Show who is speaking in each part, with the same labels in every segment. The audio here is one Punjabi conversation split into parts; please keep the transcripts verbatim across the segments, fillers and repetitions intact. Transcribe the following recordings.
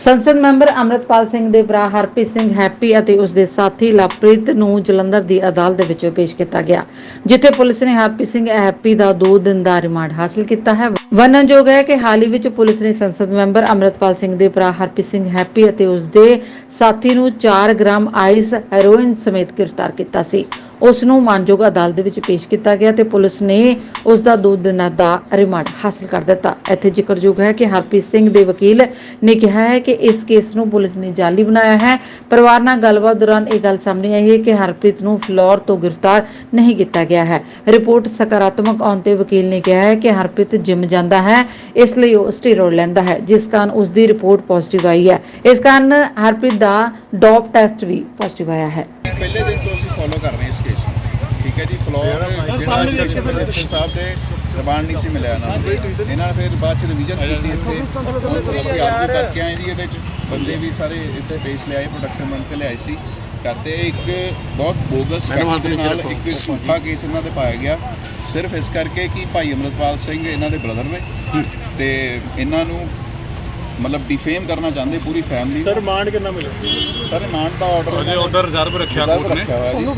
Speaker 1: ਸੰਸਦ ਮੈਂਬਰ ਅੰਮ੍ਰਿਤਪਾਲ ਸਿੰਘ ਦੇ ਭਰਾ ਹਰਪ੍ਰੀਤ ਸਿੰਘ ਹੈਪੀ ਅਤੇ ਉਸ ਦੇ ਸਾਥੀ ਲਵਪ੍ਰੀਤ ਨੂੰ ਜਲੰਧਰ ਦੀ ਅਦਾਲਤ ਦੇ ਵਿੱਚ ਪੇਸ਼ ਕੀਤਾ ਗਿਆ, ਜਿੱਥੇ ਪੁਲਿਸ ਨੇ ਹਰਪ੍ਰੀਤ ਸਿੰਘ ਹੈਪੀ ਦਾ ਦੋ ਦਿਨ ਦਾ ਰਿਮਾਂਡ ਹਾਸਲ ਕੀਤਾ ਹੈ। ਵਰਣਨਯੋਗ ਹੈ ਕਿ ਹਾਲ ਹੀ ਵਿੱਚ ਪੁਲਿਸ ਨੇ ਸੰਸਦ ਮੈਂਬਰ ਅੰਮ੍ਰਿਤਪਾਲ ਸਿੰਘ ਦੇ ਭਰਾ ਹਰਪ੍ਰੀਤ ਸਿੰਘ ਹੈਪੀ ਅਤੇ ਉਸ ਦੇ ਸਾਥੀ ਨੂੰ ਚਾਰ ਗ੍ਰਾਮ ਆਈਸ ਹੈਰੋਇਨ ਸਮੇਤ ਗ੍ਰਿਫਤਾਰ ਕੀਤਾ ਸੀ। ਉਸ ਨੂੰ ਮਾਨਯੋਗ ਅਦਾਲਤ ਦੇ ਵਿੱਚ ਪੇਸ਼ ਕੀਤਾ ਗਿਆ ਤੇ ਪੁਲਿਸ ਨੇ ਉਸ ਦਾ ਦੋ ਦਿਨਾਂ ਦਾ ਰਿਮਾਂਡ ਹਾਸਲ ਕਰ ਦਿੱਤਾ। ਇੱਥੇ ਜ਼ਿਕਰਯੋਗ ਹੈ ਕਿ ਹਰਪ੍ਰੀਤ ਸਿੰਘ ਦੇ ਵਕੀਲ ਨੇ ਕਿਹਾ ਹੈ ਕਿ ਇਸ ਕੇਸ ਨੂੰ ਪੁਲਿਸ ਨੇ ਜਾਲੀ ਬਣਾਇਆ ਹੈ। ਪਰਿਵਾਰ ਨਾਲ ਗੱਲਬਾਤ ਦੌਰਾਨ ਇਹ ਗੱਲ ਸਾਹਮਣੇ ਆਈ ਹੈ ਕਿ ਹਰਪ੍ਰੀਤ ਨੂੰ ਫਲੋਰ ਤੋਂ ਗ੍ਰਿਫਤਾਰ ਨਹੀਂ ਕੀਤਾ ਗਿਆ ਹੈ। ਰਿਪੋਰਟ ਸਕਾਰਾਤਮਕ ਆਉਣ ਤੇ ਵਕੀਲ ਨੇ ਕਿਹਾ ਹੈ ਕਿ ਹਰਪ੍ਰੀਤ ਜਿਮ ਜਾਂਦਾ ਹੈ, ਇਸ ਲਈ ਉਹ ਸਟੀਰੋਇਡ ਲੈਂਦਾ ਹੈ, ਜਿਸ ਕਾਰਨ ਉਸ ਦੀ ਰਿਪੋਰਟ ਪੋਜ਼ਿਟਿਵ ਆਈ ਹੈ। ਇਸ ਕਾਰਨ ਹਰਪ੍ਰੀਤ ਦਾ ਡੋਪ ਟੈਸਟ ਵੀ ਪੋਜ਼ਿਟਿਵ ਆਇਆ ਹੈ।
Speaker 2: ਪਹਿਲੇ ਦਿਨ ਤੋਂ ਅਸੀਂ ਫੋਲੋ ਕਰ ਰਹੇ ਇਸ ਕੇਸ ਨੂੰ, ਠੀਕ ਹੈ ਜੀ। ਫਲੋਰ ਜਿਹੜਾ ਮਿਨਿਸਟਰ ਸਾਹਿਬ ਦੇ ਰਿਮਾਂਡ ਨਹੀਂ ਸੀ ਮਿਲਿਆ ਇਹਨਾਂ ਨੂੰ, ਇਹਨਾਂ ਨੇ ਫਿਰ ਬਾਅਦ ਚ ਰਿਵੀਜ਼ਨ ਕੀਤੀ ਇੱਥੇ। ਹੁਣ ਅਸੀਂ ਆਰਗੂ ਕਰਕੇ ਆਏ ਜੀ, ਇਹਦੇ ਚ ਬੰਦੇ ਵੀ ਸਾਰੇ ਇੱਥੇ ਪੇਸ਼ ਲਿਆਏ, ਪ੍ਰੋਡਕਸ਼ਨ ਬਣ ਕੇ ਲਿਆਏ ਸੀ ਕਰਦੇ। ਇੱਕ ਬਹੁਤ ਬੋਗਸ ਫੈਕਟਸ ਦੇ ਨਾਲ ਇੱਕ ਝੂਠਾ ਕੇਸ ਇਹਨਾਂ ਤੇ ਪਾਇਆ ਗਿਆ, ਸਿਰਫ ਇਸ ਕਰਕੇ ਕਿ ਭਾਈ ਅੰਮ੍ਰਿਤਪਾਲ ਸਿੰਘ ਇਹਨਾਂ ਦੇ ਬ੍ਰਦਰ ਨੇ ਤੇ ਇਹਨਾਂ ਨੂੰ मतलब डिफेम करना चाहते पूरी फैमिली।
Speaker 3: सर रिमांड कितना मिला?
Speaker 2: सर रिमांड का ऑर्डर
Speaker 3: अजय ऑर्डर रिजर्व रखा कोर्ट ने,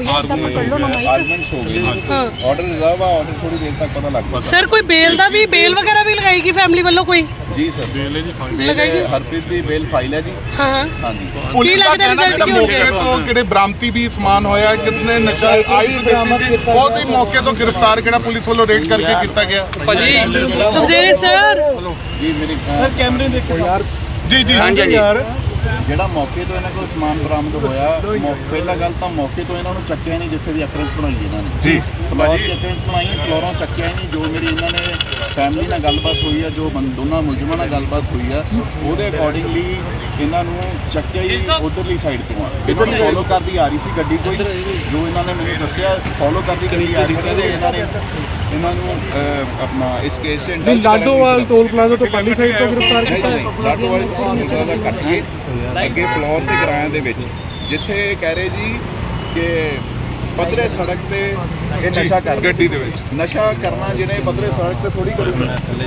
Speaker 2: आर्गूमेंट्स हो गए, ऑर्डर रिजर्व है, ऑर्डर थोड़ी देर तक पता लग पाएगा।
Speaker 4: सर कोई बेल दा भी बेल वगैरह भी लगाएगी फैमिली वालों कोई?
Speaker 2: जी सर बेल है जी, फाइल हरप्रीत दी बेल फाइल है जी।
Speaker 4: हां
Speaker 2: हां जी।
Speaker 5: पुलिस का कहना है मौके तो किहड़े बरामती भी समान होया, कितने नशा आई बहुत ही मौके तो गिरफ्तार किहड़ा पुलिस वालों रेड करके किया गया
Speaker 4: भाजी समझे सर
Speaker 2: जी। मेरी
Speaker 3: सर कैमरे देखो यार
Speaker 5: जी जी
Speaker 3: हाँ जी यार
Speaker 2: ਜਿਹੜਾ ਮੌਕੇ ਤੋਂ ਇਹਨਾਂ ਕੋਲ ਸਮਾਨ ਬਰਾਮਦ ਹੋਇਆ, ਪਹਿਲਾ ਗੱਲ ਤਾਂ ਮੌਕੇ ਤੋਂ ਇਹਨਾਂ ਨੂੰ ਚੱਕਿਆ ਨਹੀਂ ਜਿੱਥੇ ਦੀ ਅਕਰੈਂਸ ਬਣਾਈ ਇਹਨਾਂ ਨੇ
Speaker 5: ਜੀ।
Speaker 2: ਫਲੋਰ ਦੀ ਅਕਰੈਂਸ ਬਣਾਈ, ਫਲੋਰੋਂ ਚੱਕਿਆ ਹੀ ਨਹੀਂ। ਜੋ ਮੇਰੀ ਇਹਨਾਂ ਨੇ ਫੈਮਿਲੀ ਨਾਲ ਗੱਲਬਾਤ ਹੋਈ ਆ, ਜੋ ਦੋਨਾਂ ਮੁਲਜ਼ਮਾਂ ਨਾਲ ਗੱਲਬਾਤ ਹੋਈ ਆ, ਉਹਦੇ ਅਕੋਰਡਿੰਗਲੀ ਇਹਨਾਂ ਨੂੰ ਚੱਕਿਆ ਹੀ ਉਧਰਲੀ ਸਾਈਡ ਤੋਂ ਆ। ਇਹਨਾਂ ਨੂੰ ਫੋਲੋ ਕਰਦੀ ਆ ਰਹੀ ਸੀ ਗੱਡੀ ਕੋਈ, ਜੋ ਇਹਨਾਂ ਨੇ ਮੈਨੂੰ ਦੱਸਿਆ ਫੋਲੋ ਕਰਦੀ ਗੱਡੀ ਆ ਰਹੀ ਸੀ ਤੇ ਇਹਨਾਂ ਨੇ ਇਹਨਾਂ ਨੂੰ ਆਪਣਾ ਇਸ ਕੇਸ ਦੇ ਅੰਦਰ
Speaker 3: ਲਾਡੋਵਾਲ ਟੋਲ ਪਲਾਜ਼ਾ ਤੋਂ ਪਾਲੀ ਸਾਈਡ ਤੋਂ ਗ੍ਰਿਫਤਾਰ ਕੀਤਾ ਹੈ।
Speaker 2: ਲਾਡੋਵਾਲ ਟੋਲ ਪਲਾਜ਼ਾ ਦਾ ਕੱਟ ਕੇ ਅੱਗੇ ਫਲੋਰ ਤੇ ਕਿਰਾਇਆ ਦੇ ਵਿੱਚ, ਜਿੱਥੇ ਕਹਿ ਰਹੇ ਜੀ ਕਿ ਪੱਧਰੇ ਸੜਕ ਤੇ ਇਹ ਨਸ਼ਾ ਕਰ
Speaker 5: ਗੱਡੀ ਦੇ ਵਿੱਚ
Speaker 2: ਨਸ਼ਾ ਕਰਨਾ ਜਿਹਨੇ ਪੱਧਰੇ ਸੜਕ ਤੇ ਥੋੜੀ ਕਰੂਗਾ।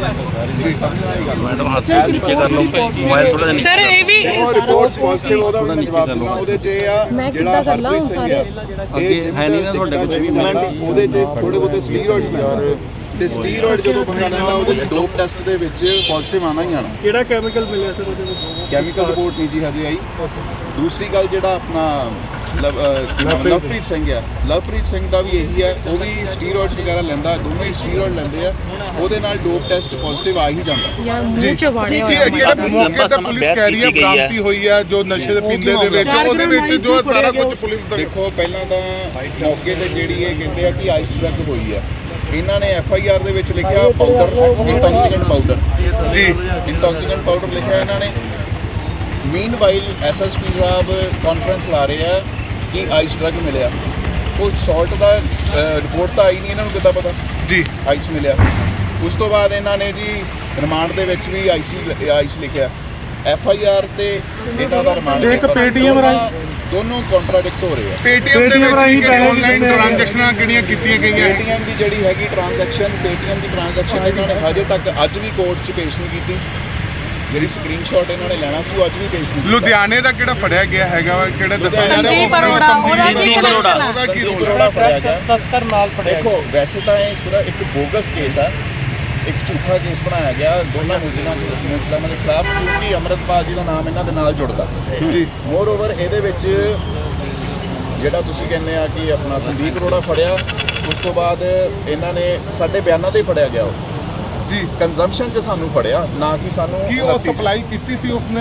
Speaker 4: सर ये भी
Speaker 2: ਰਿਪੋਰਟ ਪੋਜ਼ਿਟਿਵ ਉਹਦਾ ਵੀ ਜਵਾਬ ਦੇਣਾ। ਉਹਦੇ 'ਚ ਇਹ ਆ ਜਿਹੜਾ ਹਰਪ੍ਰੀਤ ਸਿੰਘ ਆ ਇਹ ਹੈ ਨਹੀਂ ਨਾ ਤੁਹਾਡੇ ਕੋਲ ਵੀ ਜਾਂਦਾ, ਉਹਦੇ 'ਚ ਥੋੜੇ ਬਹੁਤੇ ਸਟੀਰੋਇਡਸ ਲੈਂਦਾ ਤੇ ਸਟੀਰੋਇਡ ਜਦੋਂ ਬੰਦਾ ਲੈਂਦਾ ਉਹਦੇ 'ਚ ਡੋਪ ਟੈਸਟ ਦੇ ਵਿੱਚ ਪੋਜ਼ਿਟਿਵ ਆਣਾ ਹੀ ਆਣਾ।
Speaker 3: ਕਿਹੜਾ ਕੈਮੀਕਲ ਮਿਲਿਆ ਸਰ ਉਹਦੇ ਵਿੱਚ?
Speaker 2: ਕੈਮੀਕਲ ਰਿਪੋਰਟ ਨਹੀਂ ਜੀ ਹਜੇ ਆਈ। ਦੂਸਰੀ ਗੱਲ ਜਿਹੜਾ ਆਪਣਾ ਲਵ ਲਵਪ੍ਰੀਤ ਸਿੰਘ ਆ, ਲਵਪ੍ਰੀਤ ਸਿੰਘ ਦਾ ਵੀ ਇਹੀ ਹੈ, ਉਹ ਵੀ ਸਟੀਰੋਇਡਸ ਵਗੈਰਾ ਲੈਂਦਾ, ਦੋਵੇਂ ਸਟੀਰੋਇਡ ਲੈਂਦੇ ਆ, ਉਹਦੇ ਨਾਲ ਡੋਪ ਟੈਸਟ ਪੋਜ਼ਿਟਿਵ ਆ ਹੀ ਜਾਂਦਾ।
Speaker 5: ਜੀ ਕਿਹੜੇ ਮੌਕੇ ਤੇ ਪੁਲਿਸ ਕਹਿ ਰਹੀ ਹੈ ਬਰਾਮਤੀ ਹੋਈ ਹੈ ਜੋ ਨਸ਼ੇ ਦੇ ਪੀਂਦੇ ਦੇ ਵਿੱਚ, ਉਹਦੇ ਵਿੱਚ ਜੋ ਸਾਰਾ ਕੁਝ ਪੁਲਿਸ ਦਾ
Speaker 2: ਦੇਖੋ। ਪਹਿਲਾਂ ਤਾਂ ਮੌਕੇ ਤੇ ਜਿਹੜੀ ਇਹ ਕਹਿੰਦੇ ਆ ਕਿ ਆਈਸ ਡਰੱਗ ਹੋਈ ਆ, ਇਹਨਾਂ ਨੇ ਐਫ ਆਈ ਆਰ ਦੇ ਵਿੱਚ ਲਿਖਿਆ ਪਾਊਡਰ, ਇੰਟੌਕਸੀਕੈਂਟ ਪਾਊਡਰ ਜੀ, ਇੰਟੌਕਸੀਕੈਂਟ ਪਾਊਡਰ ਲਿਖਿਆ ਇਹਨਾਂ ਨੇ। ਮੀਨਵਾਈਲ ਐਸ ਐਸ ਪੀ ਸਾਹਿਬ ਕਾਨਫਰੰਸ ਲਾ ਰਹੇ ਆ ਕਿ ਆਈਸ ਡਰੱਗ ਮਿਲਿਆ, ਕੋਈ ਸੌਲਟ ਦਾ ਰਿਪੋਰਟ ਤਾਂ ਆਈ ਨਹੀਂ, ਇਹਨਾਂ ਨੂੰ ਕਿੱਦਾਂ ਪਤਾ
Speaker 5: ਜੀ
Speaker 2: ਆਈਸ ਮਿਲਿਆ। ਉਸ ਤੋਂ ਬਾਅਦ ਇਹਨਾਂ ਨੇ ਜੀ ਰਿਮਾਂਡ ਦੇ ਵਿੱਚ ਵੀ ਆਈਸੀ ਆਈਸ ਲਿਖਿਆ, ਐਫ ਆਈ ਆਰ ਤੇ ਇਹਨਾਂ ਦਾ ਰਿਮਾਂਡ
Speaker 3: ਇੱਕ ਪੇਟੀਐਮ ਰਾਹੀਂ
Speaker 2: ਦੋਨੋਂ ਕੰਟਰਾਡਿਕਟ ਹੋ ਰਹੇ ਆ।
Speaker 5: ਪੇਟੀਐਮ ਦੇ ਵਿੱਚ ਕਿਹੜੀ ਆਨਲਾਈਨ ਟ੍ਰਾਂਜੈਕਸ਼ਨਾਂ ਕਿਹੜੀਆਂ ਕੀਤੀਆਂ ਗਈਆਂ?
Speaker 2: ਪੇਟੀਐਮ ਦੀ ਜਿਹੜੀ ਹੈਗੀ ਟ੍ਰਾਂਜੈਕਸ਼ਨ, ਪੇਟੀਐਮ ਦੀ ਟ੍ਰਾਂਜੈਕਸ਼ਨ ਇਹਨਾਂ ਨੇ ਹਜੇ ਤੱਕ ਅੱਜ ਵੀ ਕੋਰਟ 'ਚ ਪੇਸ਼ ਨਹੀਂ ਕੀਤੀ। ਜਿਹੜੀ ਸਕਰੀਨਸ਼ਾਟ ਇਹਨਾਂ ਨੇ ਲੈਣਾ ਸੀ ਉਹ ਅੱਜ ਵੀ ਪੇਸ਼ ਨਹੀਂ।
Speaker 5: ਲੁਧਿਆਣੇ ਦਾ ਕਿਹੜਾ ਫੜਿਆ ਗਿਆ ਹੈਗਾ ਵਾ, ਕਿਹੜਾ ਦੱਸਿਆ ਜਾ
Speaker 4: ਸੰਦੀਪ
Speaker 5: ਰਿਹਾ
Speaker 4: ਅਰੋੜਾ, ਉਹਦਾ ਕੀ connection ਆ?
Speaker 5: ਉਹਦਾ ਕੀ ਰੋਲ
Speaker 2: ਅਰੋੜਾ ਫੜਿਆ ਗਿਆ।
Speaker 3: ਤਸਕਰ ਨਾਲ ਫੜਿਆ।
Speaker 2: ਦੇਖੋ ਵੈਸੇ ਤਾਂ ਇਹ ਸਿਰਫ ਇੱਕ ਬੋਗਸ ਕੇਸ ਆ, ਇੱਕ ਝੂਠਾ ਕੇਸ ਬਣਾਇਆ ਗਿਆ ਦੋਨਾਂ ਮੁਲਜ਼ਮਾਂ ਮੁਲਜ਼ਮਾਂ ਦੇ ਖਿਲਾਫ, ਕਿਉਂਕਿ ਅੰਮ੍ਰਿਤਪਾਲ ਜੀ ਦਾ ਨਾਮ ਇਹਨਾਂ ਦੇ ਨਾਲ ਜੁੜਦਾ ਜੀ। ਮੋਰ ਓਵਰ ਇਹਦੇ ਵਿੱਚ ਜਿਹੜਾ ਤੁਸੀਂ ਕਹਿੰਦੇ ਆ ਕਿ ਆਪਣਾ ਸੰਦੀਪ ਅਰੋੜਾ ਫੜਿਆ, ਉਸ ਤੋਂ ਬਾਅਦ ਇਹਨਾਂ ਨੇ ਸਾਡੇ ਬਿਆਨਾਂ ਤੇ ਫੜਿਆ ਗਿਆ ਉਹ
Speaker 5: ਜੀ
Speaker 2: ਕੰਜ਼ੰਪਸ਼ਨ 'ਚ ਸਾਨੂੰ ਫੜਿਆ, ਨਾ ਕਿ ਸਾਨੂੰ
Speaker 5: ਕੀ ਉਹ ਸਪਲਾਈ ਕੀਤੀ ਸੀ ਉਸਨੇ,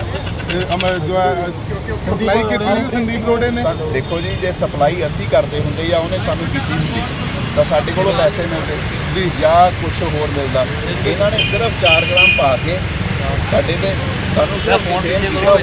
Speaker 5: ਜੋ ਹੈ ਸਪਲਾਈ ਕੀਤੀ ਸੀ ਸੰਦੀਪ ਰੋੜੇ ਨੇ।
Speaker 2: ਦੇਖੋ ਜੀ, ਜੇ ਸਪਲਾਈ ਅਸੀਂ ਕਰਦੇ ਹੁੰਦੇ ਜਾਂ ਉਹਨੇ ਸਾਨੂੰ ਕੀਤੀ ਹੁੰਦੀ ਤਾਂ ਸਾਡੇ ਕੋਲੋਂ ਪੈਸੇ ਮਿਲਦੇ ਜੀ ਜਾਂ ਕੁਝ ਹੋਰ ਮਿਲਦਾ। ਇਹਨਾਂ ਨੇ ਸਿਰਫ ਚਾਰ ਗ੍ਰਾਮ ਪਾ ਕੇ ਸਾਡੇ ਤੇ ਸਾਨੂੰ ਸਿਰਫ ਫੋਨ ਤੇ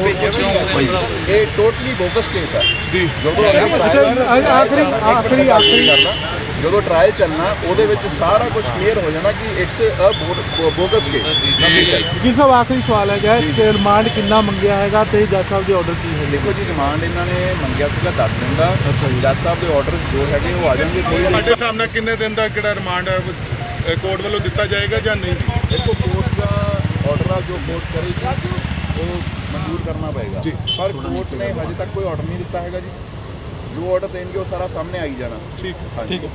Speaker 2: ਇਹ ਟੋਟਲੀ ਬੋਗਸ ਕੇਸ ਹੈ ਜੀ। ਜਦੋਂ ਆਖਰੀ ਆਖਰੀ ਆਖਰੀ ਕਰਨਾ ਜਦੋਂ ਟਰਾਇਲ ਚੱਲਣਾ ਉਹਦੇ ਵਿੱਚ ਸਾਰਾ ਕੁਝ ਕਲੀਅਰ ਹੋ ਜਾਣਾ ਕਿ ਇਟਸ ਅ ਬੋਗਸ ਕੇਸ।
Speaker 3: ਜੀ ਸਾਹਿਬ ਆਖਰੀ ਸਵਾਲ ਹੈਗਾ ਕਿ ਰਿਮਾਂਡ ਕਿੰਨਾ ਮੰਗਿਆ ਹੈਗਾ ਤੇ ਜੱਜ ਸਾਹਿਬ ਦੇ ਆਰਡਰ ਕੀ ਹੈ?
Speaker 2: ਦੇਖੋ ਜੀ, ਰਿਮਾਂਡ ਇਹਨਾਂ ਨੇ ਮੰਗਿਆ ਸੀਗਾ ਦਸ ਦਿਨ ਦਾ, ਜੱਜ ਸਾਹਿਬ ਦੇ ਆਰਡਰ ਜੋ ਹੈਗੇ ਉਹ ਆ ਜਾਣਗੇ ਥੋੜੀ ਦੇਰ।
Speaker 5: ਸਾਡੇ ਸਾਹਮਣੇ ਕਿੰਨੇ ਦਿਨ ਦਾ ਕਿਹੜਾ ਰਿਮਾਂਡ ਕੋਰਟ ਵੱਲੋਂ ਦਿੱਤਾ ਜਾਏਗਾ ਜਾਂ ਨਹੀਂ?
Speaker 2: ਦੇਖੋ ਕੋਰਟ ਦਾ ਆਰਡਰ ਆ ਜੋ ਕੋਰਟ ਕਰੇਗੀ ਉਹ ਮਨਜ਼ੂਰ ਕਰਨਾ ਪਏਗਾ
Speaker 5: ਜੀ।
Speaker 2: ਪਰ ਕੋਰਟ ਨੇ ਹਜੇ ਤੱਕ ਕੋਈ ਆਰਡਰ ਨਹੀਂ ਦਿੱਤਾ ਹੈਗਾ ਜੀ। ਜੋ ਆਰਡਰ ਦੇਣਗੇ ਉਹ ਸਾਰਾ ਸਾਹਮਣੇ ਆਈ ਜਾਣਾ।
Speaker 5: ਠੀਕ
Speaker 2: ਹਾਂਜੀ।